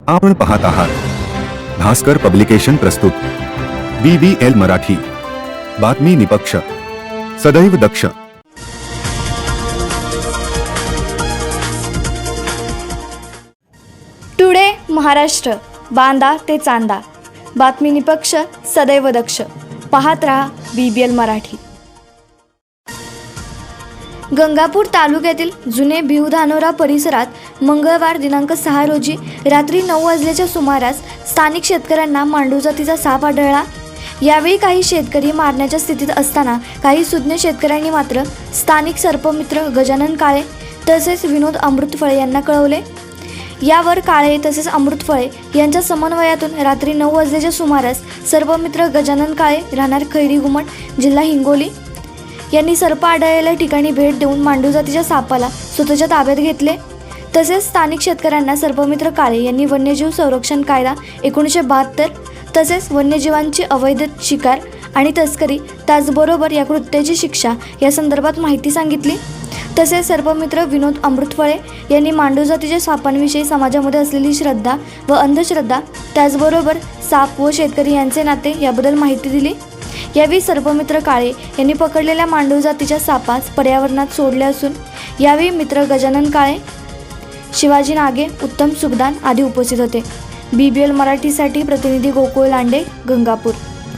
आपण पाहत आहात भास्कर पब्लिकेशन प्रस्तुत BBL मराठी, बातमी निपक्ष, सदैव दक्ष. टुडे महाराष्ट्र, बांदा ते चांदा, बातमी निपक्ष, सदैव दक्ष. पाहत रहा BBL मराठी. गंगापूर तालुक्यातील जुने भिवधानोरा परिसरात मंगळवार दिनांक 6 रोजी रात्री 9 वाजल्याच्या सुमारास स्थानिक शेतकऱ्यांना मांडू जातीचा साप आढळला. यावेळी काही शेतकरी मारण्याच्या स्थितीत असताना काही सुज्ञ शेतकऱ्यांनी मात्र स्थानिक सर्पमित्र गजानन काळे तसेच विनोद अमृतफळे यांना कळवले. यावर काळे तसेच अमृतफळे यांच्या समन्वयातून रात्री 9 वाजल्याच्या सुमारास सर्पमित्र गजानन काळे राहणार खैरी घुमट, जिल्हा हिंगोली यांनी सर्प आढळलेल्या ठिकाणी भेट देऊन मांडू जातीच्या सापाला स्वतःच्या ताब्यात घेतले. तसेच स्थानिक शेतकऱ्यांना सर्पमित्र काळे यांनी वन्यजीव संरक्षण कायदा 1972 तसेच वन्यजीवांची अवैध शिकार आणि तस्करी त्याचबरोबर या कृत्याची शिक्षा या संदर्भात माहिती सांगितली. तसेच सर्पमित्र विनोद अमृतफळे यांनी मांडू जातीच्या सापांविषयी समाजामध्ये असलेली श्रद्धा व अंधश्रद्धा त्याचबरोबर साप व शेतकरी यांचे नाते याबद्दल माहिती दिली. यावेळी सर्पमित्र काळे यांनी पकडलेल्या मांडू जातीच्या सापास पर्यावरणात सोडले असून यावेळी मित्र गजानन काळे, शिवाजी नागे, उत्तम सुखदान आदी उपस्थित होते. BBL मराठीसाठी प्रतिनिधी गोकुळ लांडे, गंगापूर.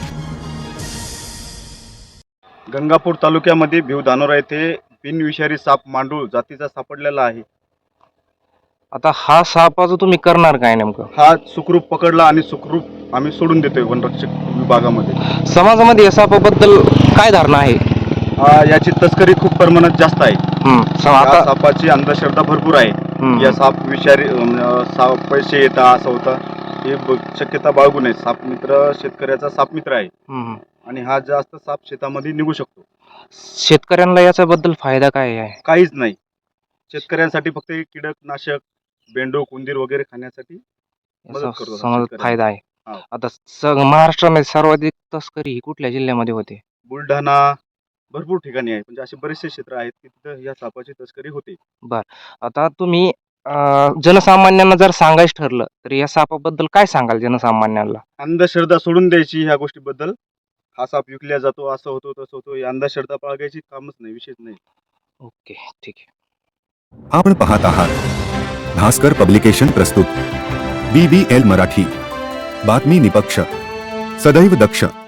गंगापूर तालुक्यामध्ये भिवधानोरा येथे बिनविषारी साप मांडूळ जातीचा सापडलेला आहे. आता हा सापाचं तुम्ही करणार काय नेमकं? हा सुखरूप पकडला आणि सुखरूप आम्ही सोडून देतोय वनरक्षक विभागामध्ये. समाजामध्ये या सापाबद्दल काय धारणा आहे? याची तस्करी खूप प्रमाणात जास्त आहे. या आता सापाची अंधश्रद्धा भरपूर आहे. या साप विषारी साप पैसे येतात असं होतं, हे शक्यता बाळगू नये. साप मित्र शेतकऱ्याचा साप मित्र आहे आणि हा जास्त साप शेतामध्ये निघू शकतो. शेतकऱ्यांना याच्याबद्दल फायदा काय आहे? काहीच नाही. शेतकऱ्यांसाठी फक्त कीटकनाशक, बेंडूक, उंदीर वगैरे खाण्यासाठी मदत करतो समाजात फायदा आहे. हा. आता महाराष्ट्रामध्ये सर्वाधिक तस्करी ही कुठल्या जिल्ह्यामध्ये होते? बुलढाणा, भरपूर ठिकाणी आहे. म्हणजे असे बरेचसे क्षेत्र आहेत की तिथं या सापाची तस्करी होते. आता तुम्ही जनसामान्यांना जर सांगायचं ठरलं तर या सापाबद्दल काय सांगाल जनसामान्यांना? अंधश्रद्धा सोडून द्यायची ह्या गोष्टीबद्दल. हा साप विकल्या जातो, असं होतो तसं होतो, ही अंधश्रद्धा बाळगायची कामच नाही, विशेष नाही. ओके, ठीक आहे. आपण पाहत आहात भास्कर पब्लिकेशन प्रस्तुत BBL मराठी, बातमी निपक्ष, सदैव दक्ष.